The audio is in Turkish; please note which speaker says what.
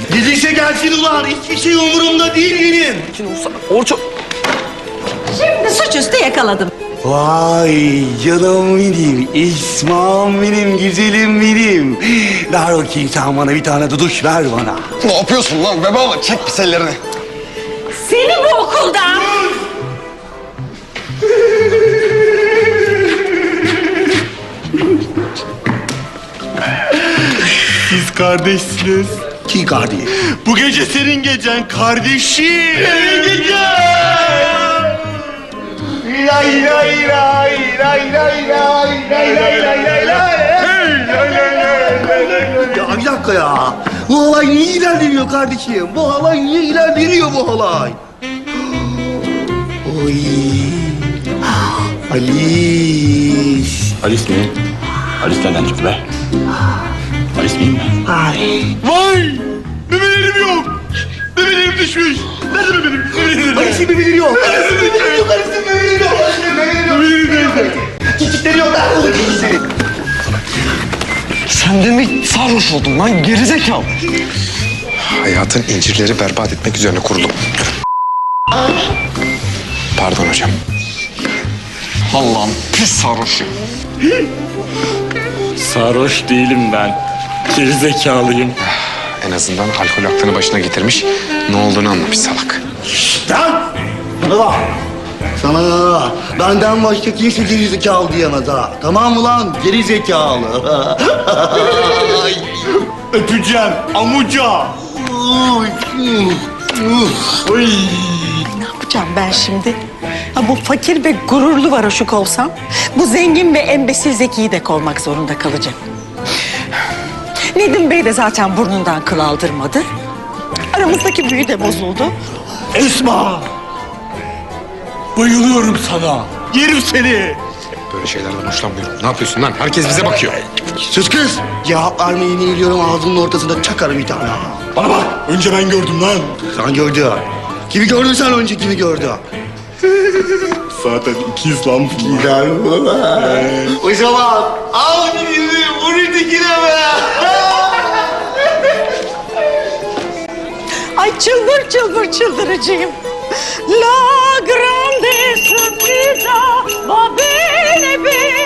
Speaker 1: Gelirse gelsin ulan. Hiçbir şey umurumda değil benim.
Speaker 2: Şimdi Orço...
Speaker 3: Şimdi suçüstü yakaladım.
Speaker 1: Vay canım benim, İsmail benim, güzelim benim. Ver bakayım sen bana bir tane duduş ver bana.
Speaker 2: Ne yapıyorsun lan bebe? Çek pis ellerini.
Speaker 3: Seni bu okuldan...
Speaker 1: Siz kardeşsiniz. Ki kardeş? Bu gece senin gecen kardeşim. Senin gecen. Lay lay lay lay lay lay lay lay lay lay lay. Ya bir dakika ya. Bu halay niye ilerlemiyor kardeşim? Bu halay niye ilerlemiyor bu halay? Oy. Alice.
Speaker 4: Alice mi? Alice nereden çıktı be? Alice miyim ben?
Speaker 1: Ay.
Speaker 4: Vay! Bebelerim yok! Bebelerim düşmüş! Nerede bebelerim?
Speaker 1: Alice'in bebeleri yok. Alice'in bebeleri yok. Alice'in bebeleri yok. Alice'in bebeleri yok. Çocukları yok.
Speaker 2: Sen de mi sarhoş oldun lan gerizekalı?
Speaker 5: Hayatın incirleri berbat etmek üzerine kurulum. Pardon hocam.
Speaker 2: Allah'ım pis sarhoş.
Speaker 4: Sarhoş değilim ben. Gerizekalıyım.
Speaker 5: En azından alkol aklını başına getirmiş, ne olduğunu anlamış salak.
Speaker 1: Lan! Bana bak. Sana benden başka kimse gerizekalı diyemez ha. Tamam mı lan? Gerizekalı. Öpeceğim amuca. Oy.
Speaker 3: Ne yapacağım ben şimdi? Ha, bu fakir ve gururlu varoşuk olsam... ...bu zengin ve embesil Zeki'yi de kovmak zorunda kalacağım. Nedim Bey de zaten burnundan kıl aldırmadı. Aramızdaki büyü de bozuldu.
Speaker 1: Esma! Bayılıyorum sana. Yerim seni.
Speaker 5: Böyle şeylerden hoşlanmıyorum. Ne yapıyorsun lan? Herkes bize bakıyor.
Speaker 1: Sus kız. Cevap vermeyi neyliyorum ağzının ortasında çakarım bir tane. Bana bak. Önce ben gördüm lan. Sen gördün. Kimi gördün sen önce kimi gördün?
Speaker 4: Zaten ikiz lan bunlar.
Speaker 1: Gider bu. O zaman al bizi vur dikine be.
Speaker 3: Ay çıldır çıldır çıldıracağım. La grande sorpresa va bene bene.